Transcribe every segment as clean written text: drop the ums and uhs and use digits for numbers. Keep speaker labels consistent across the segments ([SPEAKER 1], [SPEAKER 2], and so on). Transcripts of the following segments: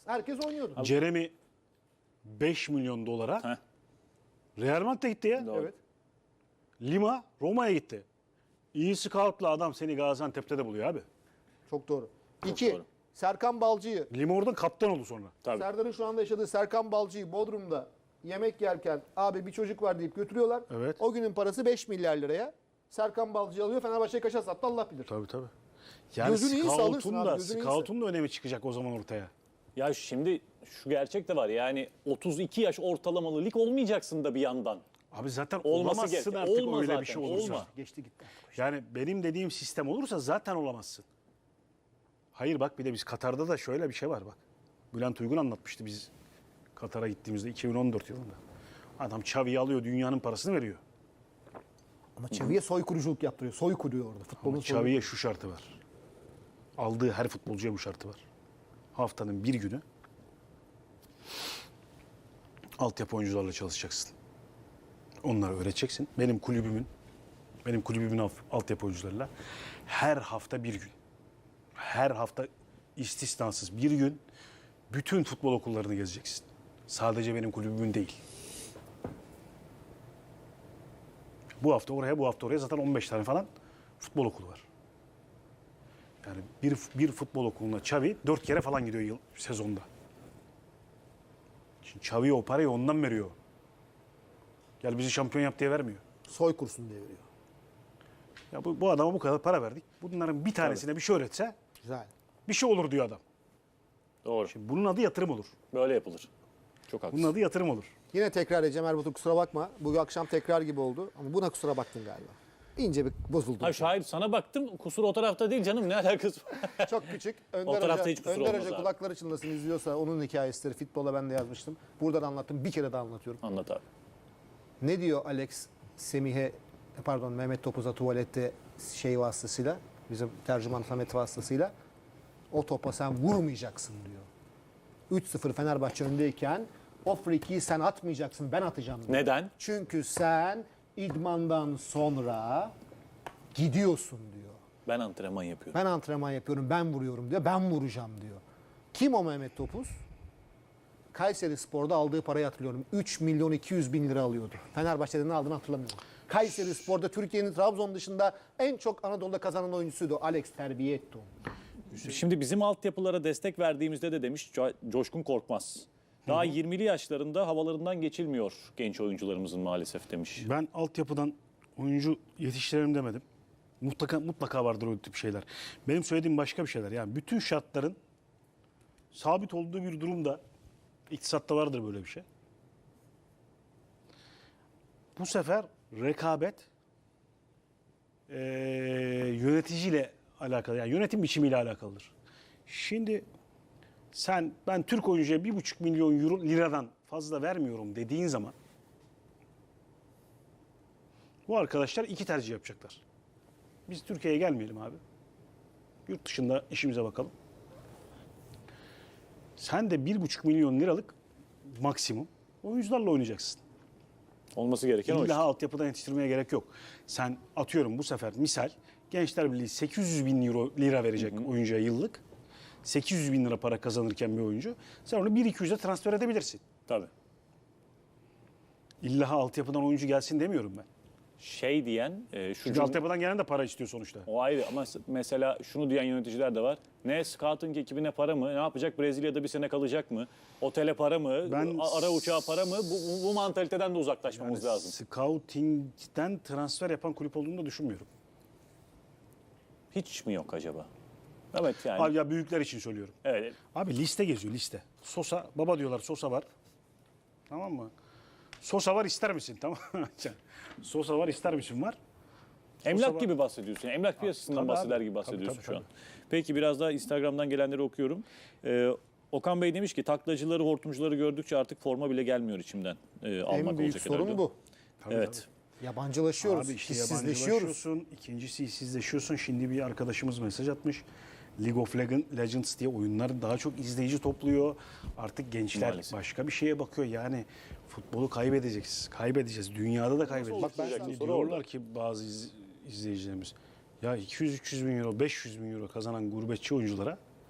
[SPEAKER 1] Herkes oynuyordu.
[SPEAKER 2] Jeremy 5 milyon dolara
[SPEAKER 3] Heh.
[SPEAKER 2] Real Madrid'e gitti ya.
[SPEAKER 3] Doğru.
[SPEAKER 1] Evet.
[SPEAKER 2] Lima Roma'ya gitti. İyi scout'la adam seni Gaziantep'te de buluyor abi.
[SPEAKER 1] Çok doğru. 2.
[SPEAKER 3] doğru.
[SPEAKER 1] Serkan Balcı'yı.
[SPEAKER 2] Lima oradan kaptan oldu sonra.
[SPEAKER 3] Tabii.
[SPEAKER 1] Serdar'ın şu anda yaşadığı Serkan Balcı'yı Bodrum'da yemek yerken abi bir çocuk var deyip götürüyorlar.
[SPEAKER 2] Evet.
[SPEAKER 1] O günün parası 5 milyar liraya. Serkan Balcı'yı alıyor, Fenerbahçe'ye kaça sattı Allah bilir.
[SPEAKER 2] Tabii tabii. Yani
[SPEAKER 1] Gözünü iyi salırsın
[SPEAKER 2] scout'un
[SPEAKER 1] abi,
[SPEAKER 2] da,
[SPEAKER 1] gözünü iyi
[SPEAKER 2] scout'un da önemi çıkacak o zaman ortaya.
[SPEAKER 3] Ya şimdi şu gerçek de var. Yani 32 yaş ortalamalı lig olmayacaksın da bir yandan.
[SPEAKER 2] Abi zaten
[SPEAKER 3] Olması
[SPEAKER 2] olamazsın
[SPEAKER 3] gerek.
[SPEAKER 2] artık
[SPEAKER 3] Olma
[SPEAKER 2] öyle
[SPEAKER 3] zaten,
[SPEAKER 2] bir şey olursa.
[SPEAKER 3] olma.
[SPEAKER 1] Geçti gitti.
[SPEAKER 2] Yani benim dediğim sistem olursa zaten olamazsın. Hayır bak bir de biz Katar'da da şöyle bir şey var bak. Bülent Uygun anlatmıştı biz Katar'a gittiğimizde 2014 yılında. Adam Xavi'yi alıyor, dünyanın parasını veriyor.
[SPEAKER 1] Ama Xavi'ye soykuruculuk yaptırıyor. Soy kuruyor orada. Futbolun
[SPEAKER 2] Ama
[SPEAKER 1] soyu.
[SPEAKER 2] Xavi'ye şu şartı var. Aldığı her futbolcuya bu şartı var. Haftanın bir günü altyapı oyuncularla çalışacaksın. Onları öğreteceksin. Benim kulübümün altyapı oyuncularıyla her hafta bir gün. Her hafta istisnasız bir gün bütün futbol okullarını gezeceksin. Sadece benim kulübümün değil. Bu hafta oraya, bu hafta oraya zaten 15 tane falan futbol okulu var. Yani bir futbol okuluna Xavi 4 kere falan gidiyor sezonda. Şimdi Xavi o parayı ondan veriyor. Gel bizi şampiyon yap diye vermiyor.
[SPEAKER 1] Soy kursun diye veriyor.
[SPEAKER 2] Ya bu adama bu kadar para verdik. Bunların bir tanesine bir şey öğretse
[SPEAKER 1] Güzel.
[SPEAKER 2] bir şey olur diyor adam.
[SPEAKER 3] Doğru.
[SPEAKER 2] Şimdi bunun adı yatırım olur.
[SPEAKER 3] Böyle yapılır. Çok haklısın.
[SPEAKER 2] Bunun adı yatırım olur.
[SPEAKER 1] Yine tekrar edeceğim Erbatur, kusura bakma. Bu akşam tekrar gibi oldu ama buna kusura baktın galiba. İnce bir bozuldum.
[SPEAKER 3] Hayır şahit sana baktım. Kusur o tarafta değil canım. Ne alakası var?
[SPEAKER 1] Çok küçük.
[SPEAKER 3] O
[SPEAKER 1] Önder
[SPEAKER 3] tarafta
[SPEAKER 1] Hoca,
[SPEAKER 3] hiç kusur
[SPEAKER 1] Önder
[SPEAKER 3] olmaz
[SPEAKER 1] Hoca
[SPEAKER 3] abi.
[SPEAKER 1] kulakları çınlasın izliyorsa onun hikayesidir. Futbola ben de yazmıştım. Burada da anlattım. Bir kere de anlatıyorum.
[SPEAKER 3] Anlat abi.
[SPEAKER 1] Ne diyor Alex Mehmet Topuz'a tuvalette şey vasıtasıyla, bizim tercüman Samet vasıtasıyla, o topa sen vurmayacaksın diyor. 3-0 Fenerbahçe öndeyken o frikiyi sen atmayacaksın, ben atacağım diyor.
[SPEAKER 3] Neden?
[SPEAKER 1] Çünkü sen idmandan sonra gidiyorsun diyor.
[SPEAKER 3] Ben antrenman yapıyorum.
[SPEAKER 1] Ben antrenman yapıyorum, ben vuruyorum diyor, ben vuracağım diyor. Kim o Mehmet Topuz? Kayseri Spor'da aldığı parayı hatırlıyorum. 3 milyon 200 bin lira alıyordu. Fenerbahçe'de ne aldığını hatırlamıyorum. Kayseri Spor'da Türkiye'nin Trabzon dışında en çok Anadolu'da kazanan oyuncusuydu. Alex terbiye etti onu.
[SPEAKER 3] Şimdi bizim altyapılara destek verdiğimizde de demiş Coşkun Korkmaz. Daha 20'li yaşlarında havalarından geçilmiyor genç oyuncularımızın maalesef demiş.
[SPEAKER 2] Ben altyapıdan oyuncu yetiştirelim demedim. Mutlaka vardır o tip şeyler. Benim söylediğim başka bir şeyler. Yani bütün şartların sabit olduğu bir durumda iktisatta vardır böyle bir şey. Bu sefer rekabet yöneticiyle alakalı, yani yönetim biçimiyle alakalıdır. Şimdi ben Türk oyuncuya 1,5 milyon euro liradan fazla vermiyorum dediğin zaman bu arkadaşlar iki tercih yapacaklar. Biz Türkiye'ye gelmeyelim abi. Yurt dışında işimize bakalım. Sen de 1,5 milyon liralık maksimum oyuncularla oynayacaksın.
[SPEAKER 3] Olması gereken o
[SPEAKER 2] İlla
[SPEAKER 3] işte.
[SPEAKER 2] altyapıdan yetiştirmeye gerek yok. Sen atıyorum bu sefer misal Gençler Birliği 800 bin lira verecek oyuncuya yıllık. 800 bin lira para kazanırken bir oyuncu. Sen onu 1-200'e transfer edebilirsin.
[SPEAKER 3] Tabii.
[SPEAKER 2] İlla altyapıdan oyuncu gelsin demiyorum ben.
[SPEAKER 3] Şey diyen şu
[SPEAKER 2] Çünkü
[SPEAKER 3] cümle,
[SPEAKER 2] altyapıdan gelen de para istiyor sonuçta.
[SPEAKER 3] o ayrı ama mesela şunu diyen yöneticiler de var. Ne scouting ekibine para mı? Ne yapacak? Brezilya'da bir sene kalacak mı? Otele para mı? Ara uçağa para mı? Bu mantaliteden de uzaklaşmamız lazım.
[SPEAKER 2] Scouting'den transfer yapan kulüp olduğunu da düşünmüyorum.
[SPEAKER 3] Hiç mi yok acaba? Evet yani.
[SPEAKER 2] Abi ya büyükler için söylüyorum.
[SPEAKER 3] Evet.
[SPEAKER 2] Abi liste geziyor liste. Sosa, baba diyorlar Sosa var. Tamam mı? Sosa var ister misin? Tamam mı? Sosa var ister misin var.
[SPEAKER 3] Emlak
[SPEAKER 2] var.
[SPEAKER 3] gibi bahsediyorsun. Emlak piyasasından
[SPEAKER 2] tabii
[SPEAKER 3] bahseder
[SPEAKER 2] abi.
[SPEAKER 3] gibi bahsediyorsun
[SPEAKER 2] Tabii,
[SPEAKER 3] şu an.
[SPEAKER 2] tabii.
[SPEAKER 3] Peki biraz daha Instagram'dan gelenleri okuyorum. Okan Bey demiş ki taklacıları, hortumcuları gördükçe artık forma bile gelmiyor içimden. Almak
[SPEAKER 1] En büyük
[SPEAKER 3] olacak
[SPEAKER 1] sorun
[SPEAKER 3] herhalde.
[SPEAKER 1] bu.
[SPEAKER 3] Evet.
[SPEAKER 1] Yabancılaşıyoruz,
[SPEAKER 2] Abi işte
[SPEAKER 1] hissizleşiyoruz.
[SPEAKER 2] yabancılaşıyorsun. İkincisi hissizleşiyorsun. Şimdi bir arkadaşımız mesaj atmış. League of Legends diye oyunlar daha çok izleyici topluyor. Artık gençler
[SPEAKER 3] Maalesef.
[SPEAKER 2] başka bir şeye bakıyor. Yani futbolu kaybedeceğiz. Dünyada da kaybedeceğiz.
[SPEAKER 3] Bak ben
[SPEAKER 2] Şimdi
[SPEAKER 3] sana
[SPEAKER 2] diyorlar ki bazı izleyicilerimiz ya 200-300 bin euro, 500 bin euro kazanan gurbetçi oyunculara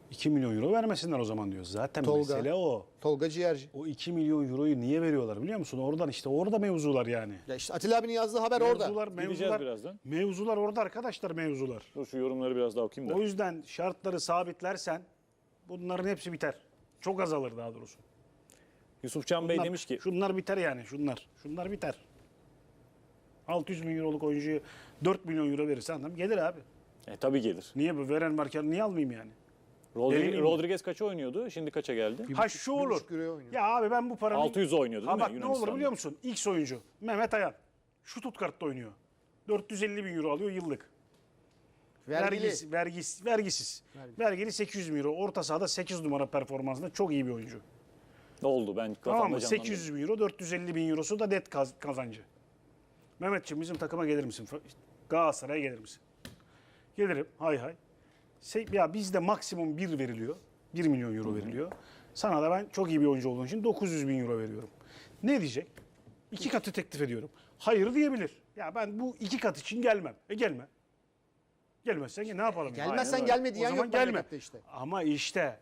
[SPEAKER 2] 2 milyon euro vermesinler o zaman diyor. Zaten
[SPEAKER 1] Tolga.
[SPEAKER 2] mesele o.
[SPEAKER 1] Tolga Ciğerci.
[SPEAKER 2] O 2 milyon euroyu niye veriyorlar biliyor musun? Oradan işte orada mevzular yani.
[SPEAKER 1] Ya işte Atilla abinin yazdığı haber orada.
[SPEAKER 3] Gideceğiz birazdan.
[SPEAKER 2] Mevzular orada arkadaşlar mevzular.
[SPEAKER 3] Dur şu yorumları biraz daha okuyayım da.
[SPEAKER 2] O yüzden şartları sabitlersen bunların hepsi biter. Çok azalır daha doğrusu.
[SPEAKER 3] Yusufcan Bey demiş ki
[SPEAKER 2] Şunlar biter yani şunlar. Şunlar biter. 600 bin euroluk oyuncuyu 4 milyon euro verirsen adam gelir abi.
[SPEAKER 3] tabii gelir.
[SPEAKER 2] Niye bu veren markanı niye almayayım yani? Deli miyim?
[SPEAKER 3] Rodriguez kaça oynuyordu? Şimdi kaça geldi?
[SPEAKER 2] Ha şu olur.
[SPEAKER 1] 1,5 euroya oynuyor.
[SPEAKER 2] Ya abi ben bu paranın...
[SPEAKER 3] 600 oynuyordu değil
[SPEAKER 2] Ha
[SPEAKER 3] mi
[SPEAKER 2] bak ne olur
[SPEAKER 3] Yunanistan'da?
[SPEAKER 2] biliyor musun? X oyuncu Mehmet Ayan. Şu Stuttgart'ta oynuyor. 450 bin euro alıyor yıllık.
[SPEAKER 1] Vergili.
[SPEAKER 2] Vergisiz. Vergili 800 bin euro. Orta sahada 8 numara performansında çok iyi bir oyuncu.
[SPEAKER 3] Oldu ben
[SPEAKER 2] Tamam
[SPEAKER 3] kafamda
[SPEAKER 2] mı?
[SPEAKER 3] canlandı.
[SPEAKER 2] 800 bin euro, 450 bin eurosu da net kazancı. Mehmetciğim bizim takıma gelir misin? Galatasaray'a gelir misin? Gelirim. Hay hay. Ya bizde maksimum 1 veriliyor. 1 milyon euro veriliyor. Sana da ben çok iyi bir oyuncu olduğun için 900 bin euro veriyorum. Ne diyecek? 2 katı teklif ediyorum. Hayır diyebilir. Ya ben bu 2 kat için gelmem. Gelme. Gelmezsen ne yapalım?
[SPEAKER 1] Gelmezsen
[SPEAKER 2] Aynen
[SPEAKER 1] gelme
[SPEAKER 2] öyle.
[SPEAKER 1] diyen
[SPEAKER 2] O zaman
[SPEAKER 1] yok
[SPEAKER 2] gelme.
[SPEAKER 1] memlekette işte.
[SPEAKER 2] Ama işte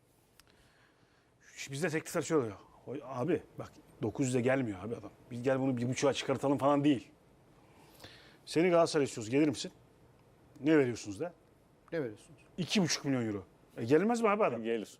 [SPEAKER 2] bizde teklifler şöyle oluyor. Abi bak 900'e gelmiyor abi adam. Biz gel bunu 1,5'a çıkartalım falan değil. Seni Galatasaray istiyoruz. Gelir misin? Ne veriyorsunuz da?
[SPEAKER 1] Ne veriyorsunuz?
[SPEAKER 2] 2,5 milyon euro. Gelmez mi abi adam?
[SPEAKER 3] Gelir.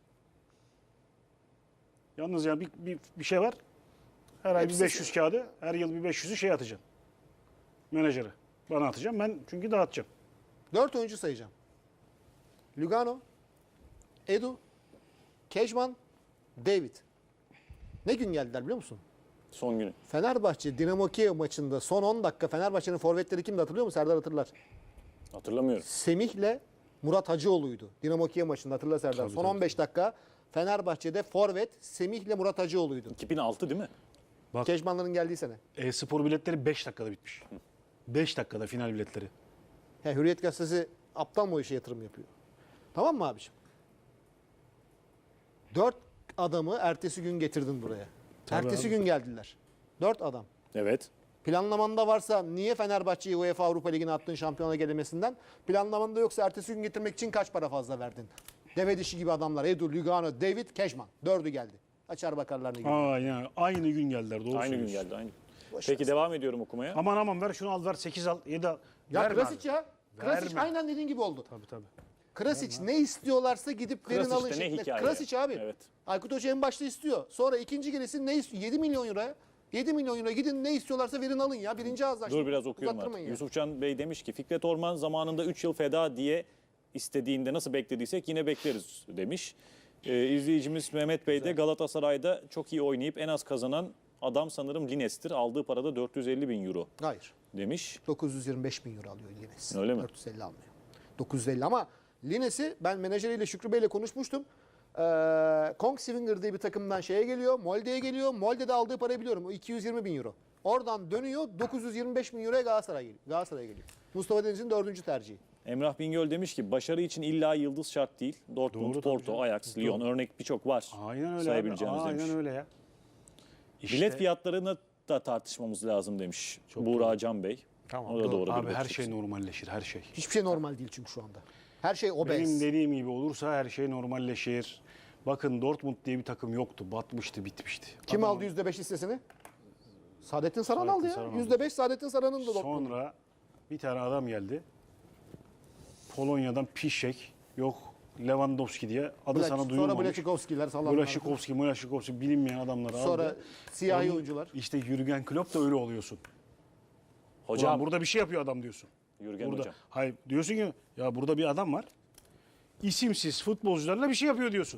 [SPEAKER 2] Yalnız ya bir şey var. Her ay bir 500 kağıdı, her yıl bir 500'ü şey atacaksın. Menajere. Bana atacağım. Ben çünkü dağıtacağım.
[SPEAKER 1] 4 oyuncu sayacağım. Lugano, Edu, Kejman, David. Ne gün geldiler biliyor musun?
[SPEAKER 3] Son günü.
[SPEAKER 1] Fenerbahçe Dinamo Kiev maçında son 10 dakika Fenerbahçe'nin forvetleri kimdi hatırlıyor musun? Serdar hatırlar.
[SPEAKER 3] Hatırlamıyorum.
[SPEAKER 1] Semih'le Murat Hacıoğlu'ydu. Dinamo Kiev maçında hatırla Serdar. Son 15 dakika Fenerbahçe'de forvet Semih'le Murat Hacıoğlu'ydu.
[SPEAKER 3] 2006 değil mi?
[SPEAKER 2] Bak.
[SPEAKER 1] Kejmanların geldiği sene.
[SPEAKER 2] E-spor biletleri 5 dakikada bitmiş. 5 dakikada final biletleri.
[SPEAKER 1] Hürriyet Gazetesi aptal mı o işe yatırım yapıyor? Tamam mı abiciğim? 4 adamı ertesi gün getirdin buraya.
[SPEAKER 2] Tabii
[SPEAKER 1] ertesi
[SPEAKER 2] abi.
[SPEAKER 1] gün geldiler. 4 adam.
[SPEAKER 3] Evet.
[SPEAKER 1] Planlamanda varsa niye Fenerbahçe'yi UEFA Avrupa Ligi'ne attın şampiyona gelemesinden? Planlamanda yoksa ertesi gün getirmek için kaç para fazla verdin? Deve dişi gibi adamlar. Edu, Lugano, David, Kejman. 4'ü geldi. Açar bakarlar ne gibi.
[SPEAKER 2] Yani aynı gün geldiler. Doğru
[SPEAKER 3] Aynı gün
[SPEAKER 2] söylüyorsun.
[SPEAKER 3] geldi. Aynı.
[SPEAKER 1] Boş
[SPEAKER 3] Peki
[SPEAKER 1] ver.
[SPEAKER 3] devam ediyorum okumaya.
[SPEAKER 2] Aman ver şunu al ver 8 al 7 al.
[SPEAKER 1] Ya
[SPEAKER 2] Verme
[SPEAKER 1] Krasic
[SPEAKER 2] abi.
[SPEAKER 1] ya. Krasic
[SPEAKER 2] Verme.
[SPEAKER 1] aynen dediğin gibi oldu.
[SPEAKER 2] Tabii.
[SPEAKER 1] Krasic ne istiyorlarsa gidip verin
[SPEAKER 3] Krasic'te
[SPEAKER 1] alın
[SPEAKER 3] ne
[SPEAKER 1] şeklinde.
[SPEAKER 3] hikaye?
[SPEAKER 1] Krasic abi.
[SPEAKER 3] Evet.
[SPEAKER 1] Aykut Hoca en başta istiyor. Sonra ikinci gelesi ne istiyor? 7 milyon euroya. 7 milyon euro gidin ne istiyorlarsa verin alın ya. Birinci ağızdan.
[SPEAKER 3] Dur biraz okuyorum
[SPEAKER 1] Uzattırmayın
[SPEAKER 3] artık.
[SPEAKER 1] ya.
[SPEAKER 3] Yusufcan Bey demiş ki Fikret Orman zamanında 3 yıl feda diye istediğinde nasıl beklediysek yine bekleriz demiş. İzleyicimiz Mehmet Bey de Galatasaray'da çok iyi oynayıp en az kazanan adam sanırım Lines'tir. Aldığı parada 450 bin euro
[SPEAKER 1] Hayır.
[SPEAKER 3] demiş.
[SPEAKER 1] 925 bin euro alıyor Lines.
[SPEAKER 3] Öyle mi?
[SPEAKER 1] 450 almıyor. 950 ama Lines'i ben menajeriyle Şükrü Bey'le konuşmuştum. Kongsvinger diye bir takımdan şeye geliyor. Molde'ye geliyor. Molde'de aldığı parayı biliyorum. O 220 bin euro. Oradan dönüyor. 925 bin euroya Galatasaray'a geliyor. Mustafa Deniz'in 4. tercihi.
[SPEAKER 3] Emrah Bingöl demiş ki başarı için illa yıldız şart değil. Dortmund,
[SPEAKER 2] Doğru, tabii
[SPEAKER 3] Porto,
[SPEAKER 2] canım.
[SPEAKER 3] Ajax, Lyon örnek birçok var.
[SPEAKER 2] Aynen öyle abi.
[SPEAKER 3] Sayabileceğimiz demiş.
[SPEAKER 2] Aynen öyle ya. İşte,
[SPEAKER 3] Bilet fiyatlarını da tartışmamız lazım demiş Buğra Can Bey.
[SPEAKER 1] Tamam,
[SPEAKER 3] O da doğru bir
[SPEAKER 2] Abi
[SPEAKER 3] bakış
[SPEAKER 2] her
[SPEAKER 3] açısı.
[SPEAKER 2] şey normalleşir her şey.
[SPEAKER 1] Hiçbir şey normal değil çünkü şu anda. Her şey obez.
[SPEAKER 2] Benim dediğim gibi olursa her şey normalleşir. Bakın Dortmund diye bir takım yoktu. Batmıştı, bitmişti.
[SPEAKER 1] Kim
[SPEAKER 2] Adam-
[SPEAKER 1] aldı %5 hissesini? Saadettin Saran
[SPEAKER 2] Saadettin
[SPEAKER 1] aldı ya.
[SPEAKER 2] Saran aldı.
[SPEAKER 1] %5 Saadettin Saran'ın da Dortmund.
[SPEAKER 2] Sonra bir tane adam geldi. Polonya'dan Piszczek, yok Lewandowski diye adı sana
[SPEAKER 1] Sonra
[SPEAKER 2] duyulmamış.
[SPEAKER 1] Blaşikovskiler sallanlar.
[SPEAKER 2] Blaşikovski bilinmeyen adamları
[SPEAKER 1] Sonra
[SPEAKER 2] aldı.
[SPEAKER 1] siyahi
[SPEAKER 2] Onun-
[SPEAKER 1] oyuncular.
[SPEAKER 2] İşte Jürgen Klopp da öyle oluyorsun.
[SPEAKER 3] Hocam
[SPEAKER 2] Ulan burada bir şey yapıyor adam diyorsun.
[SPEAKER 3] Jürgen
[SPEAKER 2] Burada.
[SPEAKER 3] hocam.
[SPEAKER 2] Hayır diyorsun ki ya burada bir adam var. İsimsiz futbolcularla bir şey yapıyor diyorsun.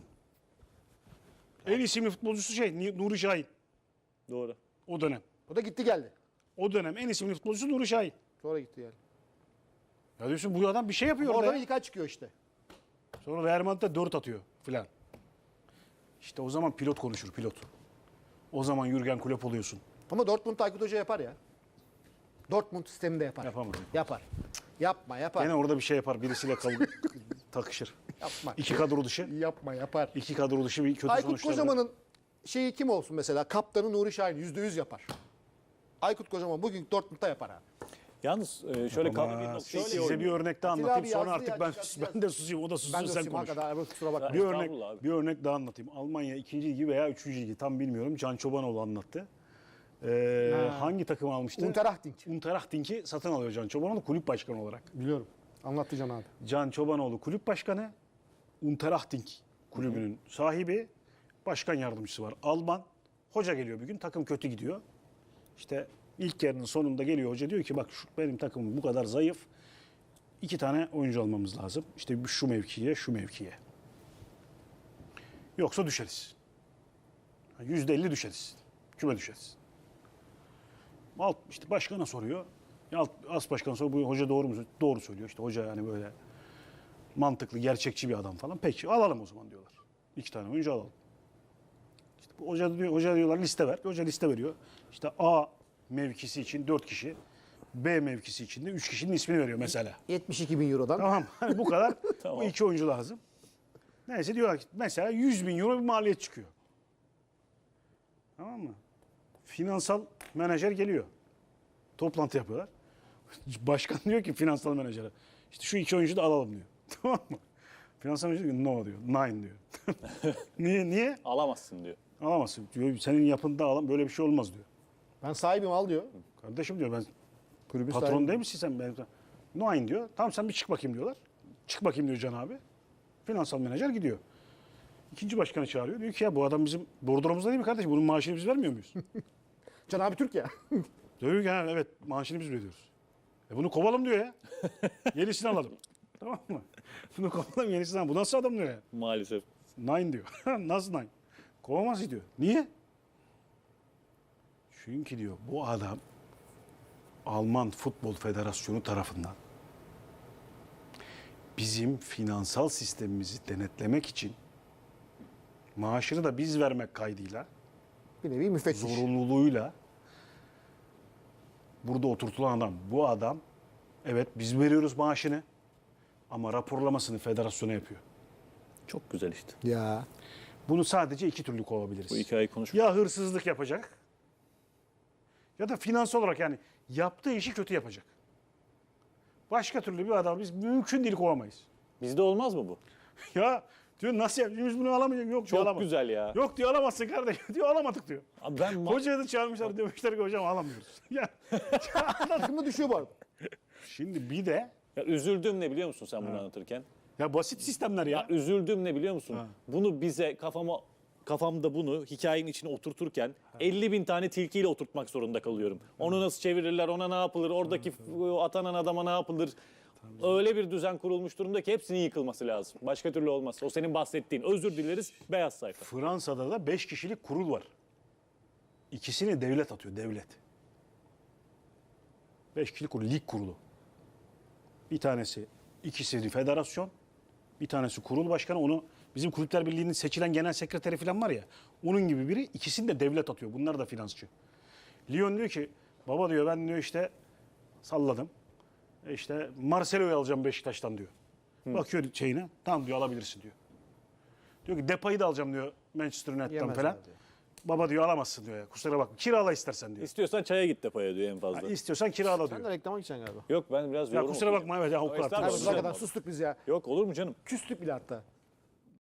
[SPEAKER 2] En isimli futbolcusu Nuri Şahin.
[SPEAKER 3] Doğru.
[SPEAKER 2] O dönem.
[SPEAKER 1] O da gitti geldi.
[SPEAKER 2] O dönem en isimli futbolcusu Nuri Şahin.
[SPEAKER 1] Sonra gitti geldi.
[SPEAKER 2] Ya diyorsun bu adam bir şey yapıyor orada.
[SPEAKER 1] Oradan
[SPEAKER 2] ya.
[SPEAKER 1] ilk çıkıyor işte.
[SPEAKER 2] Sonra Real Madrid'de 4 atıyor filan. İşte o zaman pilot konuşur pilot. O zaman Jürgen Klopp oluyorsun.
[SPEAKER 1] Ama Dortmund Aykut Hoca yapar ya. Dortmund sistemi de yapar.
[SPEAKER 2] Yapamaz.
[SPEAKER 1] Yapar. Cık, yapma yapar.
[SPEAKER 2] Gene orada bir şey yapar. Birisiyle takışır.
[SPEAKER 1] Yapma.
[SPEAKER 2] İki kadro dışı.
[SPEAKER 1] Yapma yapar.
[SPEAKER 2] İki kadro dışı bir kötü
[SPEAKER 1] Aykut
[SPEAKER 2] sonuçlar.
[SPEAKER 1] Kocaman'ın şeyi kim olsun mesela? Kaptanı Nuri Şahin %100 yapar. Aykut Kocaman bugün Dortmund'da yapar abi.
[SPEAKER 3] Yalnız şöyle
[SPEAKER 2] Ama
[SPEAKER 3] bir nokta
[SPEAKER 2] size bir örnek daha
[SPEAKER 1] Atilla
[SPEAKER 2] anlatayım.
[SPEAKER 1] abi
[SPEAKER 2] Sonra
[SPEAKER 1] yazdı
[SPEAKER 2] artık
[SPEAKER 1] ya,
[SPEAKER 2] ben
[SPEAKER 1] çıkartacağız.
[SPEAKER 2] ben de susayım. O da
[SPEAKER 1] Ben
[SPEAKER 2] sussun
[SPEAKER 1] de
[SPEAKER 2] sen
[SPEAKER 1] susayım
[SPEAKER 2] konuş.
[SPEAKER 1] hakikaten. Kusura bakma.
[SPEAKER 2] Bir örnek
[SPEAKER 3] Estağfurullah abi.
[SPEAKER 2] bir örnek daha anlatayım. Almanya 2. ligi veya 3. ligi tam bilmiyorum. Can Çobanoğlu anlattı. Hangi takım almıştı?
[SPEAKER 1] Unterhaching.
[SPEAKER 2] Unterhaching'i satın alıyor Can Çobanoğlu kulüp başkanı olarak.
[SPEAKER 1] Biliyorum. Anlattı Can abi.
[SPEAKER 2] Can Çobanoğlu kulüp başkanı, Unterhaching kulübünün sahibi, başkan yardımcısı var. Alman. Hoca geliyor bir gün, takım kötü gidiyor. İşte ilk yarının sonunda geliyor hoca, diyor ki bak benim takımım bu kadar zayıf. 2 tane oyuncu almamız lazım. İşte şu mevkiye, şu mevkiye. Yoksa düşeriz. %50 düşeriz. Küme düşeriz. İşte başkana soruyor. As başkan soruyor. Bu hoca doğru mu? Doğru söylüyor. İşte hoca yani böyle mantıklı, gerçekçi bir adam falan. Peki alalım o zaman diyorlar. 2 tane oyuncu alalım. İşte bu hoca diyorlar liste ver. Hoca liste veriyor. İşte A mevkisi için 4 kişi, B mevkisi için de 3 kişinin ismini veriyor mesela.
[SPEAKER 1] 72 bin eurodan.
[SPEAKER 2] Tamam. Hani bu kadar.
[SPEAKER 3] Tamam.
[SPEAKER 2] Bu 2 oyuncu lazım. Neyse diyorlar ki mesela 100 bin euro bir maliyet çıkıyor. Tamam mı? Finansal menajer geliyor. Toplantı yapıyorlar. Başkan diyor ki finansal menajere, İşte şu 2 oyuncu da alalım diyor. Tamam mı? Finansal menajer diyor no diyor. Nine diyor. Niye?
[SPEAKER 3] Alamazsın diyor.
[SPEAKER 2] Alamazsın. Diyor, senin yapında böyle bir şey olmaz diyor.
[SPEAKER 1] Ben sahibim al diyor.
[SPEAKER 2] Kardeşim diyor, ben
[SPEAKER 1] Kulübün
[SPEAKER 2] patron
[SPEAKER 1] sahibi.
[SPEAKER 2] değil misin sen? Nine diyor. Tamam sen bir çık bakayım diyorlar. Çık bakayım diyor Can abi. Finansal menajer gidiyor. İkinci başkanı çağırıyor. Diyor ki ya bu adam bizim bordromuzda değil mi kardeşim? Bunun maaşını biz vermiyor muyuz?
[SPEAKER 1] Can abi Türk ya.
[SPEAKER 2] Diyor ki ha, evet maaşını biz veriyoruz. Bunu kovalım diyor ya. Yenisini alalım. Tamam mı? Bunu kovalım, yenisini alalım. Bu nasıl adam diyor ya.
[SPEAKER 3] Maalesef.
[SPEAKER 2] Nine diyor. Nasıl nine? Kovamaz diyor. Niye? Çünkü diyor bu adam Alman Futbol Federasyonu tarafından bizim finansal sistemimizi denetlemek için maaşını da biz vermek kaydıyla,
[SPEAKER 1] Bir nevi müfettiş.
[SPEAKER 2] zorunluluğuyla burada oturtulan adam. Bu adam evet biz veriyoruz maaşını ama raporlamasını federasyona yapıyor.
[SPEAKER 3] Çok güzel işte.
[SPEAKER 1] Ya.
[SPEAKER 2] Bunu sadece 2 türlü kovabiliriz.
[SPEAKER 3] Bu hikayeyi konuş.
[SPEAKER 2] Ya hırsızlık yapacak ya da finansal olarak yani yaptığı işi kötü yapacak. Başka türlü bir adam biz mümkün değil kovamayız.
[SPEAKER 3] Bizde olmaz mı bu?
[SPEAKER 2] Ya diyor nasıl yapacağız? Biz bunu alamayacağız. Yok diyor,
[SPEAKER 3] Çok
[SPEAKER 2] alamaz.
[SPEAKER 3] güzel ya.
[SPEAKER 2] Yok diyor alamazsın kardeşim. Diyor alamadık diyor.
[SPEAKER 3] Abi ben
[SPEAKER 2] Hocaya da çağırmışlar demişler ki hocam alamıyoruz. Ya
[SPEAKER 1] Takımda düşüyor bu arada.
[SPEAKER 2] şimdi bir de
[SPEAKER 3] ya üzüldüm ne biliyor musun sen bunu anlatırken?
[SPEAKER 2] ya basit sistemler ya.
[SPEAKER 3] Ya üzüldüm ne biliyor musun? Bunu bize kafamda bunu hikayenin içine oturturken 50 bin tane tilkiyle oturtmak zorunda kalıyorum. Onu nasıl çevirirler, ona ne yapılır, oradaki atanan adama ne yapılır? Öyle bir düzen kurulmuş durumda ki hepsinin yıkılması lazım. Başka türlü olmaz. O senin bahsettiğin. Özür dileriz, beyaz sayfa.
[SPEAKER 2] Fransa'da da 5 kişilik kurul var. İkisini devlet atıyor, devlet. 5 kişilik kurul, lig kurulu. Bir tanesi, ikisi federasyon, bir tanesi kurul başkanı. Onu bizim Kulüpler Birliği'nin seçilen genel sekreteri falan var ya, onun gibi biri. İkisini de devlet atıyor. Bunlar da finansçı. Lyon diyor ki, baba diyor ben diyor işte salladım. İşte Marcelo'yu alacağım Beşiktaş'tan diyor. Bakıyor şeyine, tamam diyor alabilirsin diyor. Diyor ki Depay'ı da alacağım diyor Manchester United'dan
[SPEAKER 1] Yemezler
[SPEAKER 2] falan.
[SPEAKER 1] diyor.
[SPEAKER 2] Baba diyor alamazsın diyor ya. Kusura bakma. Kirala istersen diyor.
[SPEAKER 3] İstiyorsan çaya git depaya diyor en fazla.
[SPEAKER 2] İstiyorsan kirala
[SPEAKER 1] Sen de
[SPEAKER 2] diyor.
[SPEAKER 1] reklama gideceksin galiba.
[SPEAKER 3] Yok ben biraz
[SPEAKER 2] Ya
[SPEAKER 3] yorum
[SPEAKER 2] kusura
[SPEAKER 3] okuyacağım.
[SPEAKER 2] bakma evet ya o kadar.
[SPEAKER 3] Estağfurullah.
[SPEAKER 1] Abi
[SPEAKER 3] Güzel
[SPEAKER 1] kadar
[SPEAKER 3] abi.
[SPEAKER 1] sustuk biz ya.
[SPEAKER 3] Yok olur mu canım?
[SPEAKER 1] Küstük bile hatta.